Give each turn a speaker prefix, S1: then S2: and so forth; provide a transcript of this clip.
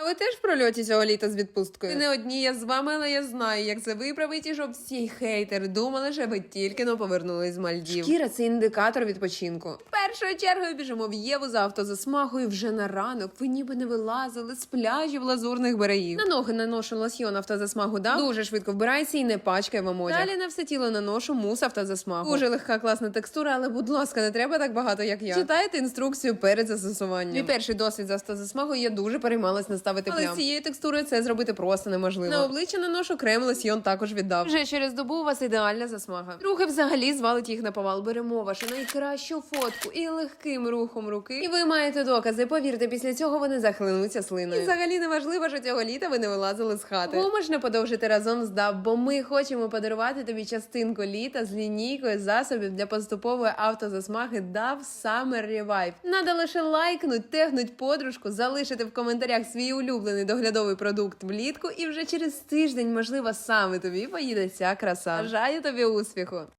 S1: ви теж в прольоті цього літа з відпусткою? Ви не одні, я з вами, але я знаю, як це виправить, і щоб всі хейтери думали, що ви тільки-но повернулись з Мальдів. Шкіра – це індикатор відпочинку. Першою чергою біжимо в Єву за автозасмагою вже на ранок. Ви ніби не вилазили з пляжів лазурних берегів. На ноги наношу лосьйон автозасмагу дав, дуже швидко вбирається і не пачкає вам одяг. Далі на все тіло наношу мус автозасмагу. Дуже легка, класна текстура, але, будь ласка, не треба так багато, як я. Читайте інструкцію перед застосуванням. Мій перший досвід з автозасмагою, я дуже переймалась наставити плям. Але з цією текстурою це зробити просто неможливо. На обличчя наношу крем, лосьйон також віддав. Вже через добу у вас ідеальна засмага. Друге взагалі звалить їх на повал. Беремо вашу найкращу фотку і легким рухом руки. І ви маєте докази. Повірте, після цього вони захлинуться слиною. І взагалі не важливо, що цього літа ви не вилазили з хати. Кому можна подовжити разом з DAB, бо ми хочемо подарувати тобі частинку літа з лінійкою засобів для поступової автозасмаги DAB Summer Revive. Надо лише лайкнуть, тегнуть подружку, залишити в коментарях свій улюблений доглядовий продукт влітку, і вже через тиждень, можливо, саме тобі поїде ця краса. Бажаю тобі успіху!